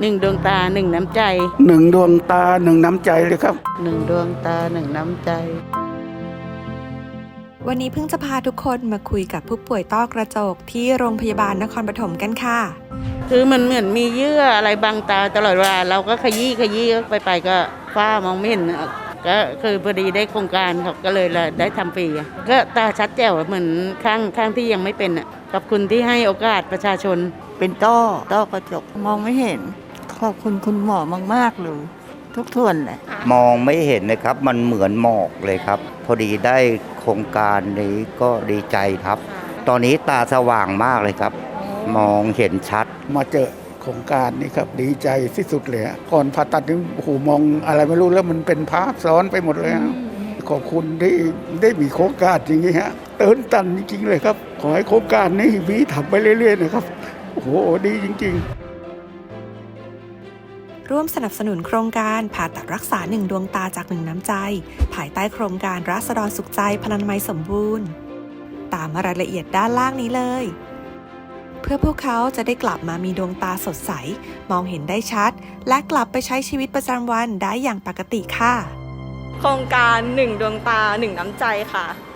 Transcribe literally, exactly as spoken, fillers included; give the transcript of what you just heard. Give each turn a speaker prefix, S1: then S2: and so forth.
S1: หนึ่งดวงตาหนึ่งน้ำใจ
S2: หนึ่งดวงตาหนึ่งน้ำใจเลยครับ
S1: หนึ่งดวงตาหนึ่งน้ำใจ
S3: วันนี้เพิ่งจะพาทุกคนมาคุยกับผู้ป่วยต้อกระจกที่โรงพยาบาลนครปฐมกันค่ะ
S1: คือมันเหมือนมีเยื่ออะไรบังตาตลอดเวลาเราก็ขยี้ขยี้ไปไปก็ฝ้ามองไม่เห็นก็คือพอดีได้โครงการเขาก็เลยได้ทำฟรีก็ตาชัดแจ๋วเหมือนข้างข้างที่ยังไม่เป็นอ่ะขอบคุณที่ให้โอกาสประชาชน
S4: เป็นต้อต้อกระจกมองไม่เห็นขอบคุณคุณหมอมากๆเลยทุกส่วนเลย
S5: มองไม่เห็นนะครับมันเหมือนหมอกเลยครับพอดีได้โครงการนี้ก็ดีใจครับตอนนี้ตาสว่างมากเลยครับมองเห็นชัด
S2: มาเจอโครงการนี้ครับดีใจที่สุดเลยก่อนผ่าตัดนี่โอ้โหมองอะไรไม่รู้แล้วมันเป็นภาพซ้อนไปหมดเลยขอบคุณที่ได้มีโครงการอย่างนี้ฮะเตินตันจริงๆเลยครับขอให้โครงการนี้มีทำไปเรื่อยๆนะครับโอ้โหดีจริง
S3: ๆร่วมสนับสนุนโครงการผ่าตัดรักษาหนึ่งดวงตาจากหนึ่งน้ำใจภายใต้โครงการราษฎรสุขใจพลานามัยสมบูรณ์ตามรายละเอียดด้านล่างนี้เลยเพื่อพวกเขาจะได้กลับมามีดวงตาสดใสมองเห็นได้ชัดและกลับไปใช้ชีวิตประจำวันได้อย่างปกติค่ะ
S6: โครงการหนึ่งดวงตาหนึ่งน้ำใจค่ะ